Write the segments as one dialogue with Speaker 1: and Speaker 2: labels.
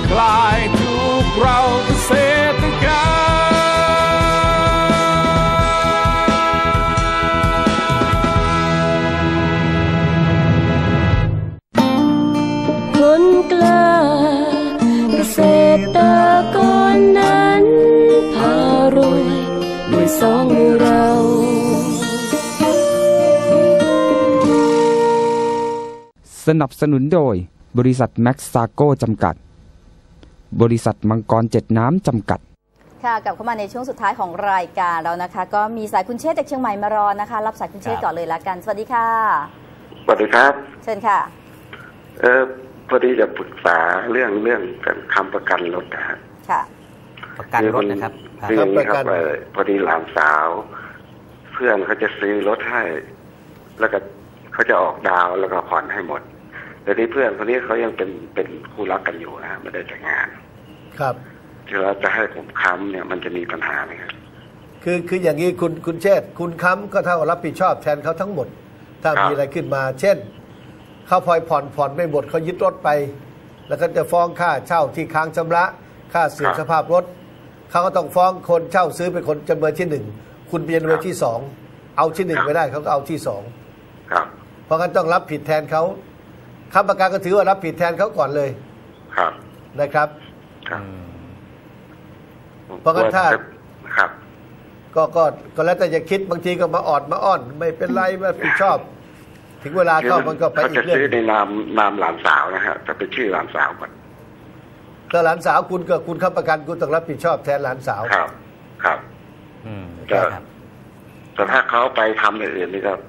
Speaker 1: คลายทุกเราเกษตรกรรม
Speaker 2: คนกล้าเกษตรกรนั้นพารวยด้วยสองมือเรา
Speaker 3: สนับสนุนโดยบริษัทแม็กซาโกจำกัดบริษัทมังกร7น้ำจำกัด
Speaker 4: ค่ะกลับเข้ามาในช่วงสุดท้ายของรายการแล้วนะคะก็มีสายคุณเชษฐ์จากเชียงใหม่มารอนะคะรับสายคุณเชษฐ์ก่อนเลยละกันสวัสดีค่ะ
Speaker 5: สวัสดีครับ
Speaker 4: เชิญค่ะ
Speaker 5: พอดีจะปรึกษาเรื่องการค้ำประกันรถนะฮะ
Speaker 4: ค่ะ
Speaker 6: ประกันรถนะครับ
Speaker 5: คืออย่างนี้ครับพอดีหลานสาวเพื่อนเขาจะซื้อรถให้แล้วก็เขาจะออกดาวแล้วก็ผ่อนให้หมดแต่ที่เพื่อนคนนี้เขายังเป็นคู่รักกันอยู่นะไม่ได้แต่งงาน
Speaker 7: ครับ
Speaker 5: ที่เราจะให้ผมค้ำเนี่ยมันจะมีปัญหาไหมครับ
Speaker 7: คืออย่างนี้คุณเชษฐ์คุณค้ำก็เท่ารับผิดชอบแทนเขาทั้งหมดถ้ามีอะไรขึ้นมาเช่นเขาพลอยผ่อนไม่หมดเขายึดรถไปแล้วก็จะฟ้องค่าเช่าที่ค้างชำระค่าเสื่อมสภาพรถเขาก็ต้องฟ้องคนเช่าซื้อเป็นคนจำเลยที่1คุณเป็นจำเลยที่2เอาที่1ไม่ได้เขาก็เอาที่2
Speaker 5: ครับ
Speaker 7: เพราะงั้นต้องรับผิดแทนเขาค้ำประกันก็ถือว่ารับผิดแทนเขาก่อนเลย
Speaker 5: ครับ
Speaker 7: นะครับเพราะงั้นถ้า
Speaker 5: ครับ
Speaker 7: ก็แล้วแต่จะคิดบางทีก็มาออดมาอ้อนไม่เป็นไรไม่ผิดชอบถึงเวลาเข้ามันก็ไปอีกเรื่อง
Speaker 5: จะซื้อในนามหลานสาวนะฮะจะเป็นชื่อหลานสาวก่อน
Speaker 7: ถ้าหลานสาวคุณค้ำประกันคุณต้องรับผิดชอบแทนหลานสาว
Speaker 5: ครับแต่ถ้าเขาไปทำอย่างอื่นนี่ก็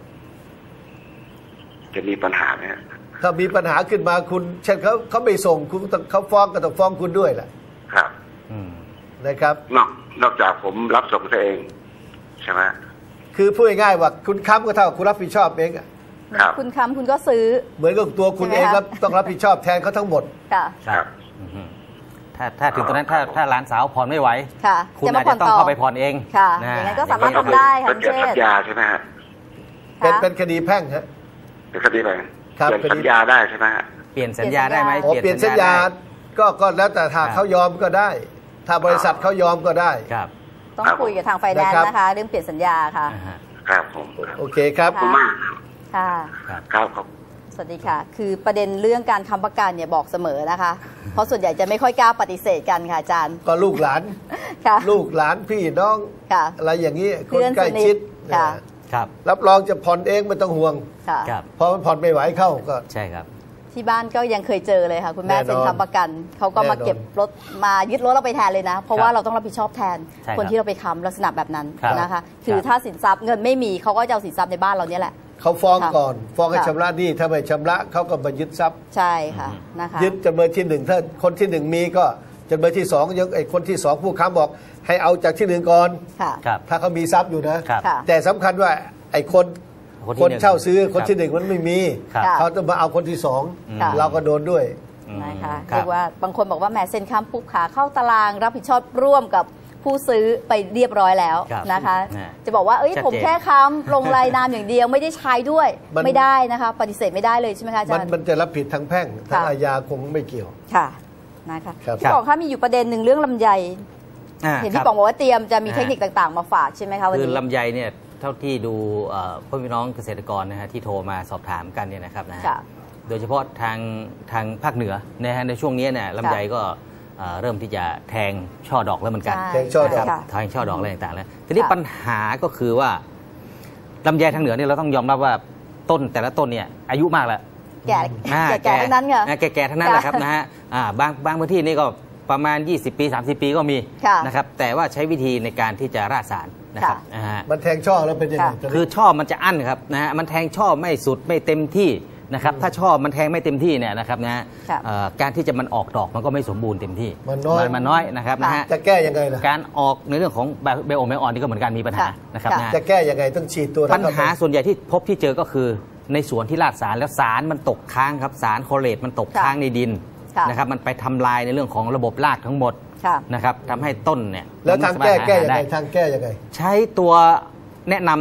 Speaker 5: จะมีปัญหาไหม
Speaker 7: ถ้ามีปัญหาขึ้นมาคุณเช่นเขาไม่ส่งคุณเขาฟ้องก็ต้องฟ้องคุณด้วยแหละ
Speaker 5: ครับ
Speaker 7: นะครับ
Speaker 5: นอกจากผมรับส่งตัวเองใช่ไหม
Speaker 7: คือพูดง่ายๆว่าคุณค้ำก็เท่ากับคุณรับผิดชอบเอง
Speaker 4: คุณค้ำคุณก็ซื้อ
Speaker 7: เหมือนกับตัวคุณเองต้องรับผิดชอบแทนเขาทั้งหมด
Speaker 4: ครับ
Speaker 6: ถ้าถึงตอนนั้นถ้าหลานสาวผ่อนไม่ไหวคุณอาจจะต้องเข้าไปผ่อนเอง
Speaker 4: ค่ะอย่างนั้นก็สามารถทำได้ค่ะ
Speaker 5: เช่นสัญญาใช่ไหมฮะ
Speaker 7: เป็นคดีแพ่งฮะ
Speaker 5: เป็นคดีอะไรเปลี่ยนสัญญาได้ใช่ไหมฮะ
Speaker 6: เปลี่ยนสัญญาได้ไหม
Speaker 7: เปลี่ยนสัญญาก็แล้วแต่ถ้าเขายอมก็ได้ถ้าบริษัทเขายอมก็ได้
Speaker 6: ครับ
Speaker 4: ต้องคุยกับทางไฟแนนซ์นะคะเรื่องเปลี่ยนสัญญาค่ะ
Speaker 5: ครับผม
Speaker 7: โอเคครับ
Speaker 5: ขอบคุณมาก
Speaker 4: ค่ะ
Speaker 5: ครับ
Speaker 4: สวัสดีค่ะคือประเด็นเรื่องการค้ำประกันเนี่ยบอกเสมอนะคะเพราะส่วนใหญ่จะไม่ค่อยกล้าปฏิเสธกันค่ะอาจารย์
Speaker 7: ก็ลูกหลานลูกหลานพี่น้องอะไรอย่างนี้คนใกล้ชิดรับรองจะผ่อนเองไม่ต้องห่วงเพราะมันผ่อนไม่ไหวเข้าก็
Speaker 6: ใช่ครับ
Speaker 4: ที่บ้านก็ยังเคยเจอเลยค่ะคุณแม่เซ็นค้ำประกันเขาก็มาเก็บรถมายึดรถเราไปแทนเลยนะเพราะว่าเราต้องรับผิดชอบแทนคนที่เราไปค้ำลักษณะแบบนั้นนะคะคือถ้าสินทรัพย์เงินไม่มีเขาก็จะเอาสินทรัพย์ในบ้านเราเนี่ยแหละ
Speaker 7: เขาฟ้องก่อนฟ้องให้ชำระหนี้ถ้าไม่ชำระเขาก็มายึดทรัพย์
Speaker 4: ใช่ค่ะนะคะ
Speaker 7: ยึดจำเลยที่1ถ้าคนที่1มีก็จำเลยที่2ยังไอ้คนที่2ผู้ค้ำบอกให้เอาจากที่1ก่อนถ้าเขามีทรัพย์อยู่นะแต่สำคัญว่าไอ้คนเช่าซื้อคนที่1มันไม่มีเขาต้องมาเอาคนที่2เราก็โดนด้วย
Speaker 4: นะคะเรียกว่าบางคนบอกว่าแหมเซ็นค้ำปุ๊บขาเข้าตารางรับผิดชอบร่วมกับผู้ซื้อไปเรียบร้อยแล้วนะคะจะบอกว่าผมแค่ค้ำลงรายนามอย่างเดียวไม่ได้ใช้ด้วยไม่ได้นะคะปฏิเสธไม่ได้เลยใช่ไหมคะอาจารย์
Speaker 7: มันจะรับผิดทางแพ่งทางอาญาคงไม่เกี่ยว
Speaker 4: ค่ะนะคะพี่ป๋องคะมีอยู่ประเด็นหนึ่งเรื่องลำไยเห็นพี่ป๋องบอกว่าเตรียมจะมีเทคนิคต่างๆมาฝากใช่ไหมคะวันนี้
Speaker 6: คือลำไยเนี่ยเท่าที่ดูพี่น้องเกษตรกรนะฮะที่โทรมาสอบถามกันเนี่ยนะครับนะโดยเฉพาะทางภาคเหนือนะฮะในช่วงนี้เนี่ยลำไยก็เริ่มที่จะแทงช่อดอกแล้วเหมือนกัน
Speaker 7: แทงช่อดอก
Speaker 6: แทงช่อดอกอะไรต่างๆแล้วทีนี้ปัญหาก็คือว่าลำไยทางเหนือเนี่ยเราต้องยอมรับว่าต้นแต่ละต้นเนี่ยอายุมากแล้ว
Speaker 4: แก่ทั้งนั้นค่ะ
Speaker 6: แก่ทั้งนั้นแหละครับนะฮะบางพื้นที่นี่ก็ประมาณ20 ปี 30 ปีก็มีนะครับแต่ว่าใช้วิธีในการที่จะราดสารนะครับ
Speaker 7: มันแทงช่อแล้วเป็นยังไง
Speaker 6: คือช่อมันจะอั้นครับนะฮะมันแทงช่อไม่สุดไม่เต็มที่นะครับถ้าช่อมันแทงไม่เต็มที่เนี่ยนะครับนะการที่จะมันออกดอกมันก็ไม่สมบูรณ์เต็มที่มันน้อยนะครับนะฮะ
Speaker 7: จะแก้ยังไงล่ะ
Speaker 6: การออกในเรื่องของไบโอไมออนนี่ก็เหมือนกันมีปัญหานะครับนะ
Speaker 7: จะแก้ยังไงต้องฉีดตัว
Speaker 6: ปัญหาส่วนใหญ่ที่พบที่เจอก็คือในสวนที่ราดสารแล้วสารมันตกค้างครับสารโคเลตมันตกค้างในดินนะครับมันไปทำลายในเรื่องของระบบรากทั้งหมดนะครับทำให้ต้นเนี่ย
Speaker 7: แล้วทางแก้ยังไงทางแก้ยังไง
Speaker 6: ใช้ตัวแนะนำนะครับ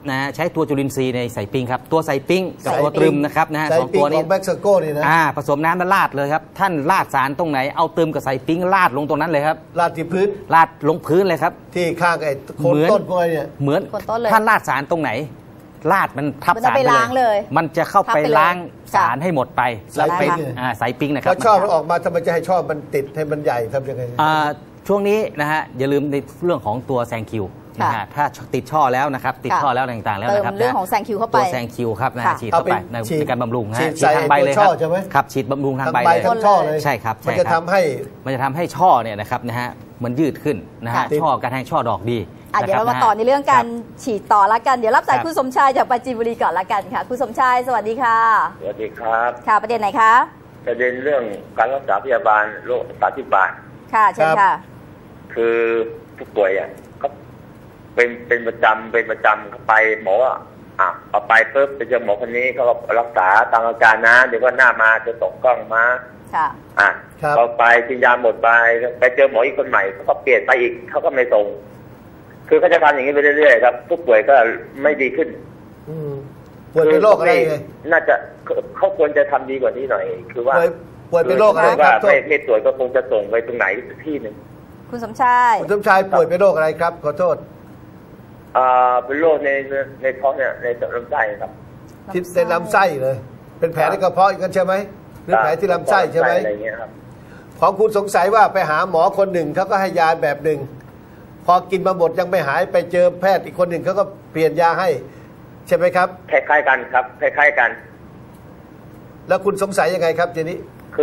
Speaker 6: นะใช้ตัวจุลินทรีย์ในใส่ปิ้งครับตัวใส่ปิ้งกับตัวตรึมนะครับนะฮะสองตัวนี้
Speaker 7: ของเม็กซิโกนี่นะ
Speaker 6: ผสมน้ำแล้วราดเลยครับท่านราดสารตรงไหนเอาตรึมกับใส่ปิ้งราดลงตรงนั้นเลยครับ
Speaker 7: ราดที่พื้น
Speaker 6: ราดลงพื้นเลยครับ
Speaker 7: ที่ข้างไอ้โคนต้นพวกนี้
Speaker 6: เหมือนท่านราดสารตรงไหนราดมันทับสารไปเลยมันจะเข้าไปล้างสารให้หมดไป
Speaker 7: ใส่ปิ้ง
Speaker 6: ใส่ปิ้งนะครับ
Speaker 7: พอชอบออกมาทำไมจะให้ชอบมันติดให้มันใหญ่ทำยังไง
Speaker 6: ช่วงนี้นะฮะอย่าลืมในเรื่องของตัวแซงคิวนะฮะถ้าติดช่อแล้วนะครับติดช่อแล้วต่างๆแล้วนะครับ
Speaker 4: เรื่องของแซงคิวเข้าไป
Speaker 6: ตัวแซงคิวครับนะฉีดเข้าไปในการบำรุงฮะฉีดทางใบเลยครับฉีดบำรุงทางใบเลย
Speaker 7: ทั้งช่อเลย
Speaker 6: ใช่ครับ
Speaker 7: มันจะทำ
Speaker 6: ให้ช่อเนี่ยนะครับนะฮะมันยืดขึ้นนะฮะช่อการแทงช่อดอกดี
Speaker 4: เดี๋ยวเรามาต่อในเรื่องการฉีดต่อละกันเดี๋ยวรับสายคุณสมชายจากปราจีนบุรีก่อนละกันค่ะคุณสมชายสวัสดีค่ะ
Speaker 8: สวัสดีครับ
Speaker 4: ค่ะประเด็นไหนคะ
Speaker 8: ประเด็นเรื่องการรักษาพยาบาลโรค30 บาท
Speaker 4: ค่ะเชิญค่ะ
Speaker 8: คือผู้ป่วยก็เป็นประจำเขาไปหมอเอาไปปุ๊บไปเจอหมอคนนี้เขาก็รักษาตามอาการนะเดี๋ยวว่าหน้ามาจะส่งกล้องมา
Speaker 4: ค่ะ
Speaker 8: เขาไปกินยาหมดไปเจอหมออีกคนใหม่เขาก็เปลี่ยนไปอีกเขาก็ไม่ส่งคือเขาจะทำอย่างนี้ไปเรื่อยๆครับผู้ป่วยก็ไม่ดีขึ้น
Speaker 7: ป่วยเป็นโรคอะไร
Speaker 8: น่าจะเขาควรจะทำดีกว่านี้หน่อยคือว่า
Speaker 7: ป่วยเป็นโรคอะไร
Speaker 8: ครับไม่ตรวจก็คงจะส่งไปตรงไหนที่หนึ่ง
Speaker 4: คุณสมชาย
Speaker 7: ป่วยเป็นโรคอะไรครับขอโทษ
Speaker 8: เป็นโรคในท้องเนี่ยในลำไส้ครับ
Speaker 7: ที่ในลำไส้เลยเป็นแผลในกระเพาะกันใช่ไหมหรือแผลที่ลำไส้ใช่ไหม
Speaker 8: อะไรเงี้ยครับ
Speaker 7: ของคุณสงสัยว่าไปหาหมอคนหนึ่งเขาก็ให้ยาแบบหนึ่งพอกินมาหมดยังไม่หายไปเจอแพทย์อีกคนหนึ่งเขาก็เปลี่ยนยาให้ใช่ไหมครับ
Speaker 8: คล้ายๆกันครับคล้ายๆกัน
Speaker 7: แล้วคุณสงสัยยังไงครับทีนี้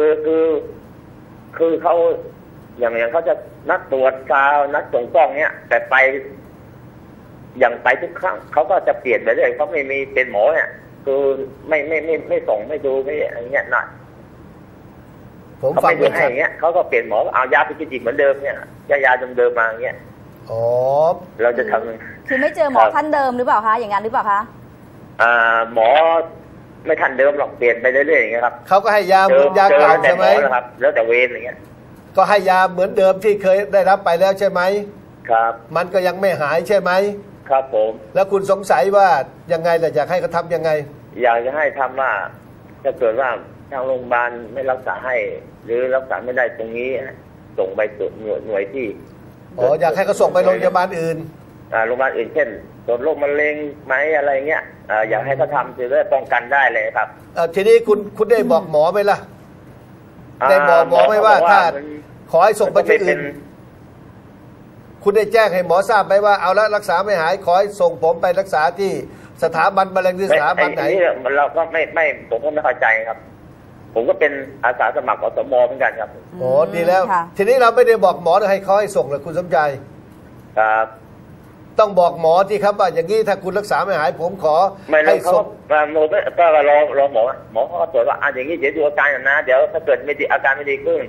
Speaker 8: คือเขาอย่างเขาจะนัดตรวจกาวนัดส่งกล้องเนี้ยแต่ไปอย่างไปทุกครั้งเขาก็จะเปลี่ยนไปเรื่อยเขาไม่มีเป็นหมอเนี่ยคือไม่ส่งไม่ดูไม่อะไรเงี้ยหน่อย
Speaker 7: ผมฟัง
Speaker 8: ไม่ให้อย่างเงี้ยเขาก็เปลี่ยนหมอเอายาไปกินอีกเหมือนเดิมเนี่ยยาเดิมมาอย่างเงี้ยเราจะทำ
Speaker 4: คือไม่เจอหมอท่านเดิมหรือเปล่าคะอย่างนั้นหรือเปล่าคะ
Speaker 8: หมอไม่ทันเดิมหรอกเปลี่ยนไปเรื่อยๆอย่างเงี้ยครับ
Speaker 7: เขาก็ให้ยาเหมือนยาเก่าใช่ไหม
Speaker 8: ครับแล้วแต่เวรอย่างเงี้ย
Speaker 7: ก็ให้ยาเหมือนเดิมที่เคยได้รับไปแล้วใช่ไหม
Speaker 8: ครับ
Speaker 7: มันก็ยังไม่หายใช่ไหม
Speaker 8: ครับผม
Speaker 7: แล้วคุณสงสัยว่ายังไงล่ะอยากให้เขาทำยังไง
Speaker 8: อยากจะให้ทำว่าถ้าเกิดว่าทางโรงพยาบาลไม่รักษาให้หรือรักษาไม่ได้ตรงนี้ส่งไปตรวจหน่วยที่
Speaker 7: อยากให้เขาส่งไปโรงพยาบาลอื่น
Speaker 8: โรงพยาบาลอื่นเช่นตรวจโรคมะเร็งไหมอะไรเงี้ยอยากให้เขาทำจะได้ป้องกันได้เลยครับ
Speaker 7: ทีนี้คุณได้บอกหมอไหมล่ะได้บอกหมอไหมว่าถ้าขอให้ส่งไปที่อื่นคุณได้แจ้งให้หมอทราบไหมว่าเอาละรักษาไม่หายขอให้ส่งผมไปรักษาที่สถาบันมะเร็งหรือสถาบันไหน
Speaker 8: เราก็ไม่ผมก็ไม่เข้าใจครับผมก็เป็นอาสาสมัครอสม.เหมือนกันครับ
Speaker 7: ดีแล้วทีนี้เราไม่ได้บอกหมอให้เขาให้ส่งเลยคุณสมใจ
Speaker 8: ครับ
Speaker 7: ต้องบอกหมอที่ครับว่าอย่างนี้ถ้าคุณรักษาไม่หายผมขอ
Speaker 8: ให้ส่งก็รอหมอเขาตรวจว่าอย่างนี้เดี๋ยวดูอาการนะเดี๋ยวถ้าเกิดอาการไม่ดีขึ้น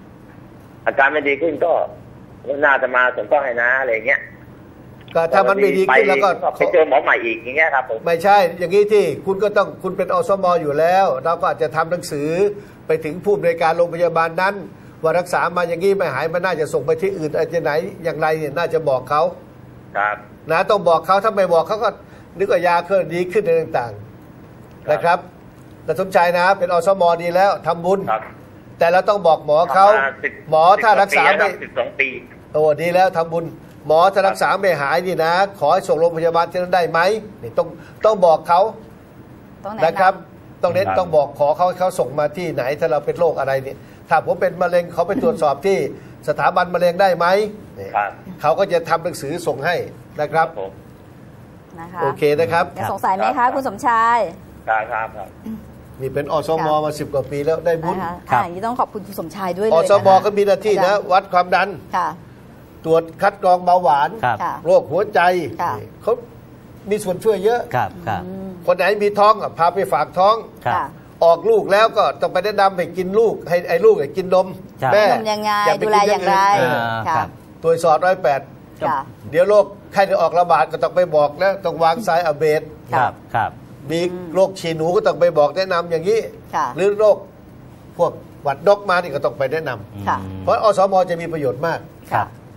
Speaker 8: ก็น่าจะมาส่งต้องให้นะอะไรเงี้ย
Speaker 7: ก็ถ้ามันไม่ดีขึ้นแล้วก็
Speaker 8: ไปเจอหมอใหม่อีกอย่างเงี้ยครับผม
Speaker 7: ไม่ใช่อย่างนี้ที่คุณเป็นอสม.อยู่แล้วเราก็อาจจะทำหนังสือไปถึงผู้บริการโรงพยาบาลนั้นว่ารักษามาอย่างนี้ไม่หายมันน่าจะส่งไปที่อื่นอาจจะไหนอย่างไรเนี่ยน่าจะบอกเขา
Speaker 8: ครับ
Speaker 7: นะต้องบอกเขาถ้าไม่บอกเขาก็นึกว่ายาเคลื่อนดีขึ้นในต่างๆนะครับแต่สมชายนะเป็นอสม.ดีแล้วทำบุญแต่เราต้องบอกหมอเขาหมอถ้ารักษาไม่
Speaker 8: 12 ปี
Speaker 7: ดีแล้วทำบุญหมอถ้ารักษาไม่หายนี่นะขอให้ส่งโรงพยาบาลที่นั้นได้ไหมนี่ต้องบอกเขานะครับต้องบอกขอเขาส่งมาที่ไหนถ้าเราเป็นโรคอะไรเนี่ยถ้าผมเป็นมะเร็งเขาไปตรวจสอบที่สถาบันมะเร็งได้ไหมเขาก็จะทำหนังสือส่งให้นะครับโอเคนะครับ
Speaker 4: สงสัยไหมคะคุณสมชาย
Speaker 8: ครับ
Speaker 7: นี่เป็นอสม.มา10 กว่าปีแล้วได้บุญ
Speaker 4: อย่างนี้ต้องขอบคุณคุณสมชายด้วยเลย
Speaker 7: อสม.ก็มีหน้าที่นะวัดความดันตรวจคัดกรองเบาหวานโรคหัวใจเขามีส่วนช่วยเยอะคนไหนมีท้องพาไปฝากท้องออกลูกแล้วก็ต้องไปแนะนำให้กินลูกให้ลูกกินนม
Speaker 4: แม่ยังไงดูแลอย่างไร
Speaker 7: ตัวสอด108เดี๋ยวโรคไข้จะออกระบาดก็ต้องไปบอกแล้วต้องวางสายอะเบดมีโรคฉี่หนูก็ต้องไปบอกแนะนำอย่างนี้หรือโรคพวกหวัดนกมานี่ก็ต้องไปแนะนำเพราะอสม.จะมีประโยชน์มาก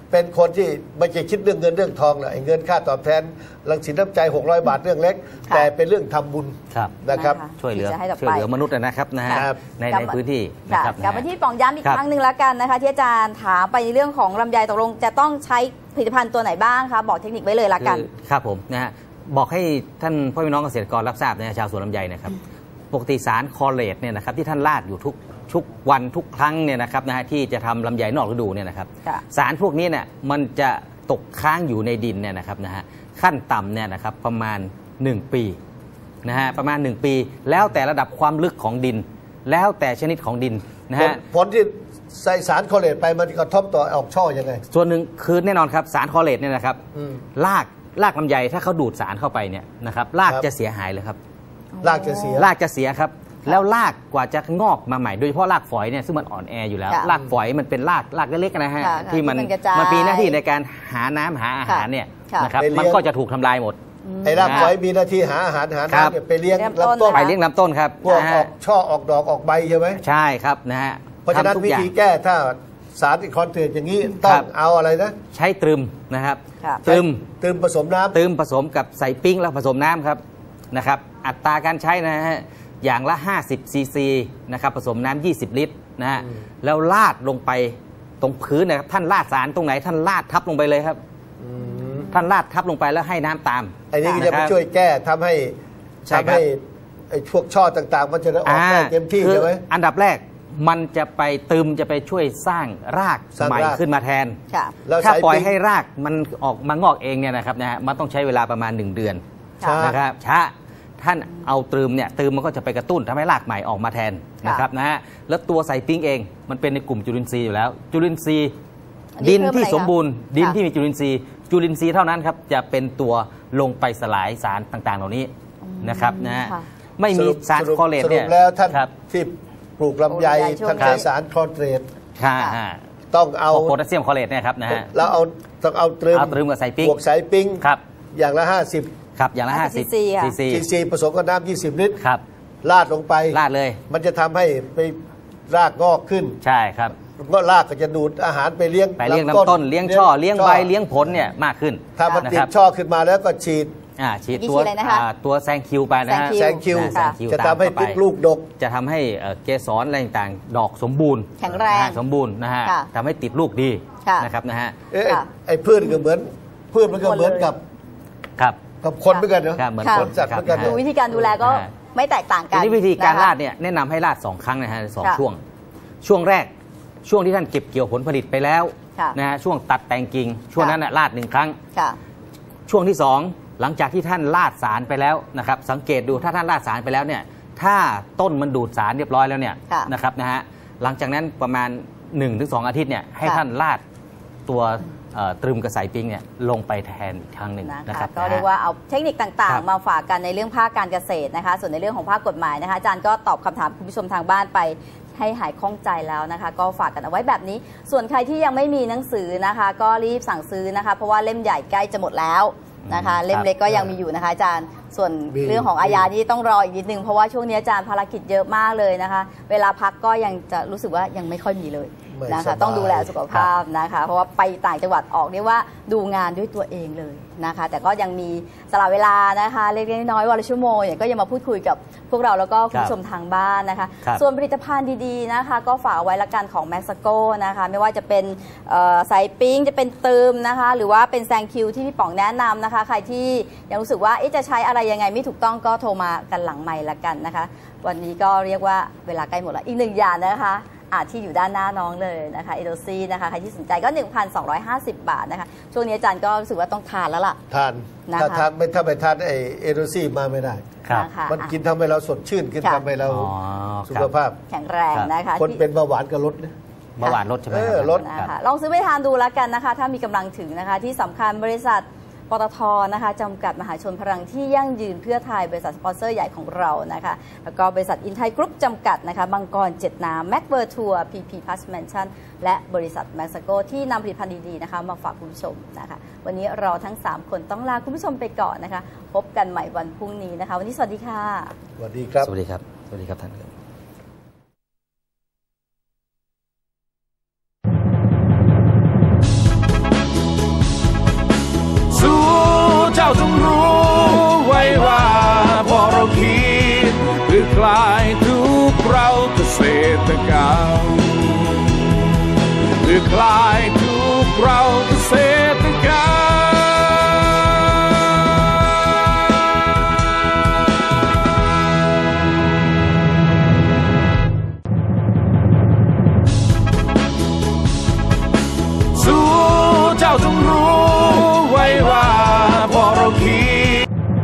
Speaker 7: เป็นคนที่ไม่ใช่คิดเรื่องเงินเรื่องทองแหละเงินค่าตอบแทนรังสินน้ำใจ600 บาทเรื่องเล็กแต่เป็นเรื่องทำบุญนะครับ
Speaker 6: ช่วยเหลือมนุษย์นะครับนะฮะในพื้นที่
Speaker 4: นะครับกลับมาที่ป๋องย้ำอีกครั้งหนึ่งแล้วกันนะคะที่อาจารย์ถามไปในเรื่องของลำไยตกลงจะต้องใช้ผลิตภัณฑ์ตัวไหนบ้างคะบอกเทคนิคไว้เลยละกัน
Speaker 6: ครับผมนะฮะบอกให้ท่านพ่อพี่น้องเกษตรกรรับทราบนะชาวสวนลำไยนะครับปกติสารคอเลตเนี่ยนะครับที่ท่านราดอยู่ทุกวันทุกครั้งเนี่ยนะครับนะฮะที่จะทำลำไยนอกฤดูเนี่ยนะครับสารพวกนี้เนี่ยมันจะตกค้างอยู่ในดินเนี่ยนะครับนะฮะขั้นต่ำเนี่ยนะครับประมาณ1 ปีนะฮะประมาณ1 ปีแล้วแต่ระดับความลึกของดินแล้วแต่ชนิดของดินนะฮะ
Speaker 7: ผลที่ใส่สารคอเลตไปมันกระทบต่อออกช่อยังไง
Speaker 6: ส่วนหนึ่งคือแน่นอนครับสารคอเลตเนี่ยนะครับรากลำไยถ้าเขาดูดสารเข้าไปเนี่ยนะครับรากจะเสียหายเลยครับ
Speaker 7: รากจะเสีย
Speaker 6: ครับแล้วรากกว่าจะงอกมาใหม่โดยเฉพาะรากฝอยเนี่ยซึ่งมันอ่อนแออยู่แล้วรากฝอยมันเป็นรากเล็กๆนะฮะที่มันมีหน้าที่ในการหาน้ำหาอาหารเนี่ยนะครับมันก็จะถูกทำลายหมด
Speaker 7: ไอ้รากฝอยมีหน้าที่หาอาหารน้ำไปเลี้ยงลำต้น
Speaker 6: ไปเลี้ยงลำต้นครับ
Speaker 7: พวกออกช่อออกดอกออกใบใช่ไหม
Speaker 6: ใช่ครับนะฮะ
Speaker 7: เพราะฉะนั้นวิธีแก้ถ้าสารคอนเทนต์อย่างนี้ต้องเอาอะไรนะ
Speaker 6: ใช้ตรึมนะครับตรึม
Speaker 7: ผสมน้ำ
Speaker 6: ตรึมผสมกับใส่ปิ้งแล้วผสมน้ำครับนะครับอัตราการใช้นะฮะอย่างละ50 ซีซีนะครับผสมน้ำ20 ลิตรนะฮะแล้วลาดลงไปตรงพื้นนะครับท่านลาดสารตรงไหนท่านลาดทับลงไปเลยครับท่านลาดทับลงไปแล้วให้น้ำตาม
Speaker 7: ไอ้นี่ก็จะไปช่วยแก้ทำให้ไอ้พวกช่อต่างๆมันจะออกได้เต็มที่ใช่ไหม
Speaker 6: อันดับแรกมันจะไปจะไปช่วยสร้างรากใหม่ขึ้นมาแทนถ้าปล่อยให้รากมันออกมางอกเองเนี่ยนะครับนะฮะมันต้องใช้เวลาประมาณ1 เดือนนะครับช้าท่านเอาตรึมมันก็จะไปกระตุ้นทำให้รากใหม่ออกมาแทนนะครับนะฮะแล้วตัวไซปิ้งเองมันเป็นในกลุ่มจุลินทรีย์อยู่แล้วจุลินทรีย์ดินที่สมบูรณ์ดินที่มีจุลินทรีย์เท่านั้นครับจะเป็นตัวลงไปสลายสารต่างๆเหล่านี้นะครับนะฮะไม่มีสารคอเลตเนี่ย
Speaker 7: แล้วท่านที่ปลูกลำไยท่านใช้สารคอเลตต้องเอา
Speaker 6: โพแทสเซียมคอเลตเนี่ยครับนะฮะ
Speaker 7: แล้วต้องเอาตรึม
Speaker 6: กับไซปิ้ง
Speaker 7: บวกไซปิ้ง
Speaker 6: ครับ
Speaker 7: อย่างละ50
Speaker 6: ครับอย่างละ50 ซี
Speaker 7: ซีผสมกับน้ำ20 ลิตร
Speaker 6: ครับ
Speaker 7: ลาดลงไป
Speaker 6: ลาดเลย
Speaker 7: มันจะทำให้ไปรากงอกขึ้น
Speaker 6: ใช่ครับ
Speaker 7: ก็รากก็จะดูดอาหารไปเลี้ยง
Speaker 6: ลำต้นเลี้ยงช่อเลี้ยงใบเลี้ยงผลเนี่ยมากขึ้น
Speaker 7: ถ้ามันติดช่อขึ้นมาแล้วก็ฉีด
Speaker 6: ตัวแซงคิวไปนะฮะ
Speaker 7: แซงคิวจะทำให้ติดลูกดก
Speaker 6: จะทำให้เกสรอะไรต่างๆดอกสมบูรณ์
Speaker 4: แข็งแรง
Speaker 6: สมบูรณ์นะฮะทำให้ติดลูกดีนะครับนะฮะ
Speaker 7: ไอ้พืชก็เหมือนพืชมันก็เหมือนกับคนเหมือนกันเนาะ
Speaker 6: เหมือนคน
Speaker 7: สัตว์เหมือนกัน
Speaker 4: ดูวิธีการดูแลก็ไม่แตกต่างกัน
Speaker 6: วิธีการราดเนี่ยแนะนำให้ราด2 ครั้งนะฮะ2 ช่วงแรกช่วงที่ท่านเก็บเกี่ยวผลผลิตไปแล้วนะฮะช่วงตัดแต่งกิ่งช่วงนั้นราด1 ครั้งช่วงที่2หลังจากที่ท่านราดสารไปแล้วนะครับสังเกตดูถ้าท่านราดสารไปแล้วเนี่ยถ้าต้นมันดูดสารเรียบร้อยแล้วเนี่ยนะครับนะฮะหลังจากนั้นประมาณ 1-2 อาทิตย์เนี่ยให้ท่านราดตัวตรึมกระสายปิ้งเนี่ยลงไปแทนอีกครั้งหนึ่งนะครับ
Speaker 4: ก็เรียกว่าเอาเทคนิคต่างๆมาฝากกันในเรื่องภาคการเกษตรนะคะส่วนในเรื่องของภาคกฎหมายนะคะอาจารย์ก็ตอบคำถามคุณผู้ชมทางบ้านไปให้หายคล่องใจแล้วนะคะก็ฝากกันเอาไว้แบบนี้ส่วนใครที่ยังไม่มีหนังสือนะคะก็รีบสั่งซื้อนะคะเพราะว่าเล่มใหญ่ใกล้จะหมดแล้วนะคะเล่มเล็กก็ยังมีอยู่นะคะอาจารย์ส่วนเรื่องของอาญาที่ต้องรออีกนิดนึงเพราะว่าช่วงนี้อาจารย์ภารกิจเยอะมากเลยนะคะเวลาพักก็ยังจะรู้สึกว่ายังไม่ค่อยมีเลยนะคะต้องดูแลสุขภาพนะคะเพราะว่าไปต่างจังหวัดออกเรียกว่าดูงานด้วยตัวเองเลยนะคะแต่ก็ยังมีสละเวลานะคะเล็กๆน้อยๆวันละชั่วโมงอย่างก็ยังมาพูดคุยกับพวกเราแล้วก็คุณผู้ชมทางบ้านนะคะส่วนผลิตภัณฑ์ดีๆนะคะก็ฝากไว้ละกันของแม็กซาโกนะคะไม่ว่าจะเป็นไซปิ้งจะเป็นเติมนะคะหรือว่าเป็นแซงคิวที่พี่ป๋องแนะนำนะคะใครที่ยังรู้สึกว่าจะใช้อะไรยังไงไม่ถูกต้องก็โทรมากันหลังไมค์ละกันนะคะวันนี้ก็เรียกว่าเวลาใกล้หมดแล้วอีก1 อย่างนะคะที่อยู่ด้านหน้าน้องเลยนะคะเอโดซี่นะคะใครที่สนใจก็ 1,250 บาทนะคะช่วงนี้อาจารย์ก็รู้สึกว่าต้องทานแล้วล่ะ
Speaker 7: ทานถ้าไปทานไอเอโดซี่มาไม่ได้มันกินทำให้เราสดชื่นขึ้นทำให้เราสุขภาพ
Speaker 4: แข็งแรงนะคะ
Speaker 7: คนเป็นเบาหวานก็ลดนะ
Speaker 6: เบาหวานลดใช่ไหม
Speaker 7: ลด
Speaker 4: นะคะลองซื้อไปทานดูแล้วกันนะคะถ้ามีกำลังถึงนะคะที่สำคัญบริษัทปตท.นะคะจำกัดมหาชนพลังที่ยั่งยืนเพื่อไทยบริษัทสปอนเซอร์ใหญ่ของเรานะคะแล้วก็บริษัทอินไทยกรุ๊ปจำกัดนะคะบางกร7 น้ำแม็กเวอร์ทัวร์พีพีพลัสแมนชั่นและบริษัทแม็กซาโกที่นำผลิตภัณฑ์ดีๆนะคะมาฝากคุณผู้ชมนะคะวันนี้เราทั้ง3 คนต้องลาคุณผู้ชมไปก่อนนะคะพบกันใหม่วันพรุ่งนี้นะคะวันนี้สวัสดีค่ะ
Speaker 7: สวัสดีครับ
Speaker 6: สวัสดีครับสวัสดีครับท่าน
Speaker 1: พื่อคลายทุกข์เราเกษตรกรรมสู้เจ้าจงรู้ไว้ว่าพอเราคิด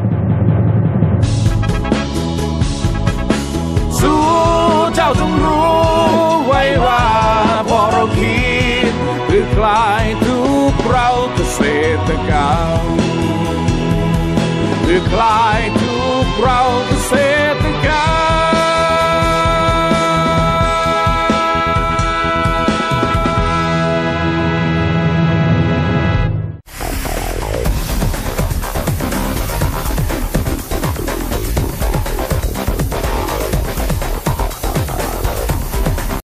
Speaker 1: สู้เจ้าจงรู้ไว้ว่าพอเราคิดเพื่อคลายทุกข์เราเกษตรกรรมเพื่อคลายทุกข์เราเกษ